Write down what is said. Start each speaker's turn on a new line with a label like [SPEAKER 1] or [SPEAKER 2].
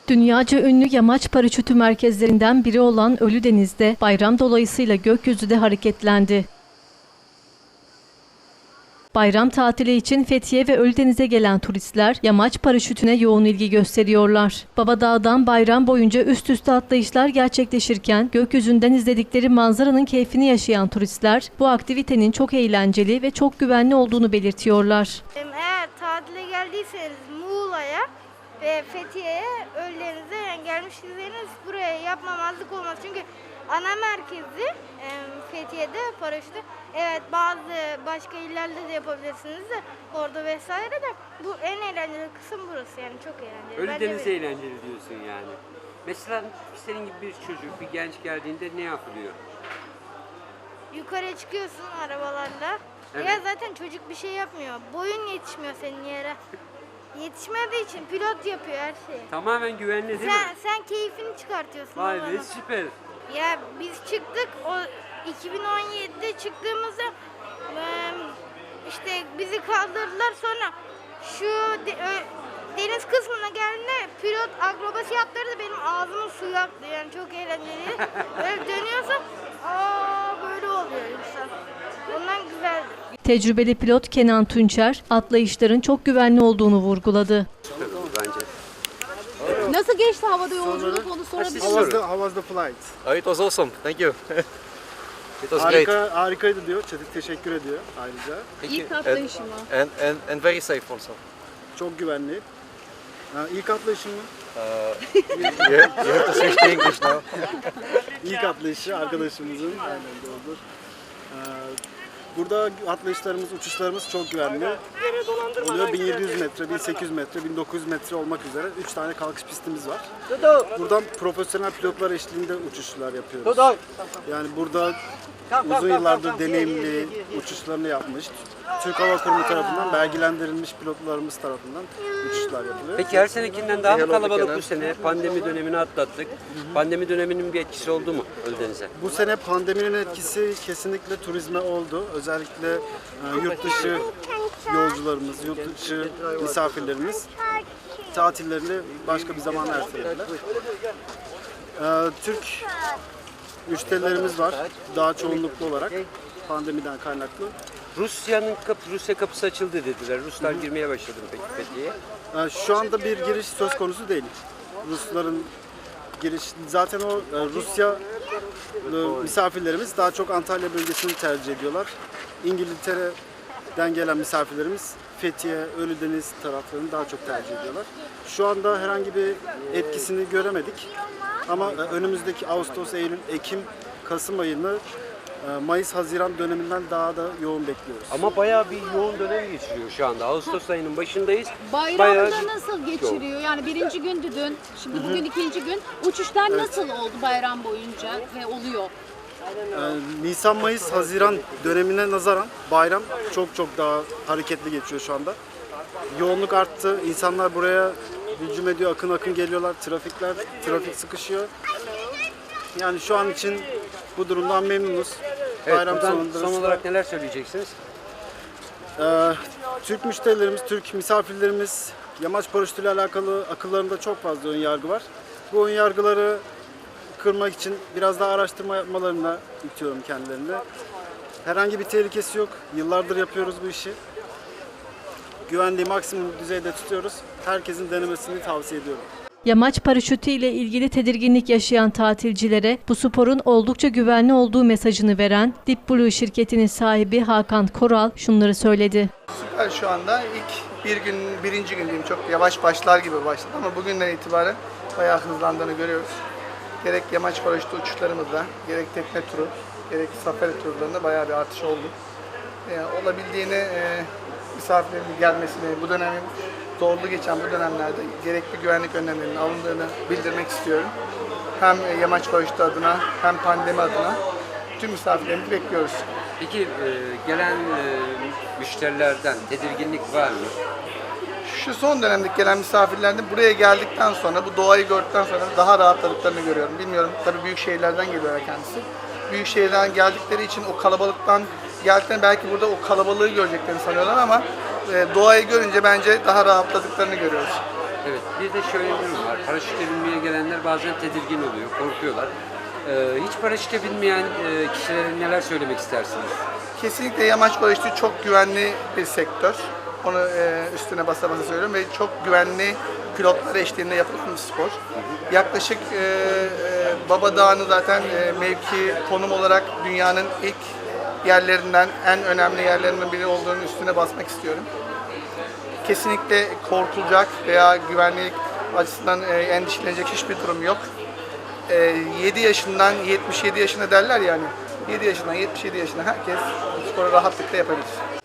[SPEAKER 1] Dünyaca ünlü yamaç paraşütü merkezlerinden biri olan Ölüdeniz'de bayram dolayısıyla gökyüzü de hareketlendi. Bayram tatili için Fethiye ve Ölüdeniz'e gelen turistler yamaç paraşütüne yoğun ilgi gösteriyorlar. Babadağ'dan bayram boyunca üst üste atlayışlar gerçekleşirken gökyüzünden izledikleri manzaranın keyfini yaşayan turistler bu aktivitenin çok eğlenceli ve çok güvenli olduğunu belirtiyorlar.
[SPEAKER 2] Eğer tatile geldiyseniz Muğla'ya ve Fethiye'ye, Ölüdeniz'e gelmişseniz buraya yapmamazlık olmaz. Çünkü ana merkezi Fethiye'de paraşütü. Evet, bazı başka illerde de yapabilirsiniz de orada vesaire de bu en eğlenceli kısım burası, yani çok eğlenceli.
[SPEAKER 3] Ölüdeniz eğlenceli diyorsun yani. Mesela senin gibi bir çocuk, bir genç geldiğinde ne yapılıyor?
[SPEAKER 2] Yukarıya çıkıyorsun arabalarla.
[SPEAKER 3] Evet.
[SPEAKER 2] Ya zaten çocuk bir şey yapmıyor. Boyun yetişmiyor senin yere. Yetişmediği için pilot yapıyor her şeyi.
[SPEAKER 3] Tamamen güvenli değil mi?
[SPEAKER 2] Sen keyfini çıkartıyorsun.
[SPEAKER 3] Vay be,
[SPEAKER 2] babanın.
[SPEAKER 3] süper.
[SPEAKER 2] Ya biz çıktık, o 2017'de çıktığımızda işte bizi kaldırdılar, sonra şu deniz kısmına geldiğinde pilot akrobasi yaptırdı, benim ağzımın suyu aktı, yani çok eğlenceli. Böyle dönüyorsun, böyle oluyor insan. Ondan güzeldi.
[SPEAKER 1] Tecrübeli pilot Kenan Tunçer, atlayışların çok güvenli olduğunu vurguladı.
[SPEAKER 3] Süper oldu bence.
[SPEAKER 4] Nasıl geçti havada yolculuk, onu sorabilir miyim?
[SPEAKER 5] How was the flight?
[SPEAKER 6] Oh, it was awesome. Thank you. It was great.
[SPEAKER 5] Harikaydı diyor. Teşekkür ediyor ayrıca.
[SPEAKER 4] İlk atlayışı mı?
[SPEAKER 6] And very safe also.
[SPEAKER 5] Çok güvenli. İlk atlayışım mı?
[SPEAKER 6] You have to switch to English now.
[SPEAKER 5] İlk atlayışı arkadaşımızın. Aynen doğrudur. Burada atlayışlarımız, uçuşlarımız çok güvenli. Oluyor 1700 metre, 1800 metre, 1900 metre olmak üzere 3 tane kalkış pistimiz var. Buradan profesyonel pilotlar eşliğinde uçuşlar yapıyoruz. Yani burada uzun yıllardır deneyimli uçuşlarını yapmış, Türk Hava Kurumu tarafından belgelendirilmiş pilotlarımız tarafından uçuşlar yapılıyor.
[SPEAKER 3] Peki her senekinden daha mı kalabalık bu sene? Pandemi dönemini atlattık. Pandemi döneminin bir etkisi oldu mu Ölüdeniz'e?
[SPEAKER 5] Bu sene pandeminin etkisi kesinlikle turizme oldu. Özellikle yurt dışı yolcularımız, yurt dışı misafirlerimiz tatillerini başka bir zaman ertelediler. Türk müşterilerimiz var, daha çoğunluklu olarak pandemiden kaynaklı.
[SPEAKER 3] Rusya kapısı açıldı dediler. Ruslar girmeye başladı mı peki Fethiye'ye?
[SPEAKER 5] Şu anda bir giriş söz konusu değil. Rusların giriş, zaten o Rusya misafirlerimiz daha çok Antalya bölgesini tercih ediyorlar. İngiltere'den gelen misafirlerimiz Fethiye, Ölüdeniz taraflarını daha çok tercih ediyorlar. Şu anda herhangi bir etkisini göremedik. Ama önümüzdeki Ağustos, Eylül, Ekim, Kasım ayını Mayıs-Haziran döneminden daha da yoğun bekliyoruz.
[SPEAKER 3] Ama bayağı bir yoğun dönem geçiriyor şu anda. Ağustos ayının başındayız.
[SPEAKER 4] Bayramda nasıl geçiriyor? Yani birinci gündü dün, şimdi bugün ikinci gün. Uçuşlar nasıl oldu bayram boyunca ve oluyor?
[SPEAKER 5] Nisan, Mayıs, Haziran dönemine nazaran bayram çok daha hareketli geçiyor şu anda. Yoğunluk arttı. İnsanlar buraya hücum ediyor, akın geliyorlar. Trafik sıkışıyor. Yani şu an için bu durumdan memnunuz.
[SPEAKER 3] Evet,
[SPEAKER 5] Bayram
[SPEAKER 3] son olarak neler söyleyeceksiniz?
[SPEAKER 5] Türk müşterilerimiz, Türk misafirlerimiz yamaç paraşütüyle alakalı akıllarında çok fazla ön yargı var. Bu ön yargıları kırmak için biraz daha araştırma yapmalarına itiyorum kendilerine. Herhangi bir tehlikesi yok. Yıllardır yapıyoruz bu işi. Güvenliği maksimum düzeyde tutuyoruz. Herkesin denemesini tavsiye ediyorum.
[SPEAKER 1] Yamaç paraşütü ile ilgili tedirginlik yaşayan tatilcilere bu sporun oldukça güvenli olduğu mesajını veren Deep Blue şirketinin sahibi Hakan Koral şunları söyledi.
[SPEAKER 7] Süper, şu anda birinci gün diyeyim, çok yavaş başlar gibi başladı ama bugünden itibaren bayağı hızlandığını görüyoruz. Gerek yamaç paraşütü uçuşlarımızda, gerek tekne turu, gerek safari turlarında bayağı bir artış oldu. Olabildiğine misafirlerin gelmesini, bu dönemin zorlu geçen bu dönemlerde gerekli güvenlik önlemlerinin alındığını bildirmek istiyorum. Hem yamaç paraşütü adına hem pandemi adına tüm misafirlerimizi bekliyoruz.
[SPEAKER 3] Peki gelen müşterilerden tedirginlik var mı?
[SPEAKER 7] Şu son dönemdeki gelen misafirlerden buraya geldikten sonra, bu doğayı gördükten sonra daha rahatladıklarını görüyorum. Bilmiyorum, tabii büyük şehirlerden geliyor kendisi. Büyük şehirden geldikleri için o kalabalıktan geldiklerinde belki burada o kalabalığı göreceklerini sanıyorlar ama doğayı görünce bence daha rahatladıklarını görüyoruz.
[SPEAKER 3] Evet, bir de şöyle bir durum var. Paraşütle binmeye gelenler bazen tedirgin oluyor, korkuyorlar. Hiç paraşütle binmeyen kişilere neler söylemek istersiniz?
[SPEAKER 7] Kesinlikle yamaç paraşütü çok güvenli bir sektör. Onu üstüne basa basa söylüyorum ve çok güvenli pilotlar eşliğinde yapılan bir spor. Yaklaşık Baba Dağı'nı zaten mevki, konum olarak dünyanın ilk yerlerinden, en önemli yerlerinden biri olduğunu üstüne basmak istiyorum. Kesinlikle korkulacak veya güvenlik açısından endişelenecek hiçbir durum yok. 7 yaşından 77 yaşına derler yani. 7 yaşından 77 yaşına herkes bu sporu rahatlıkla yapabilir.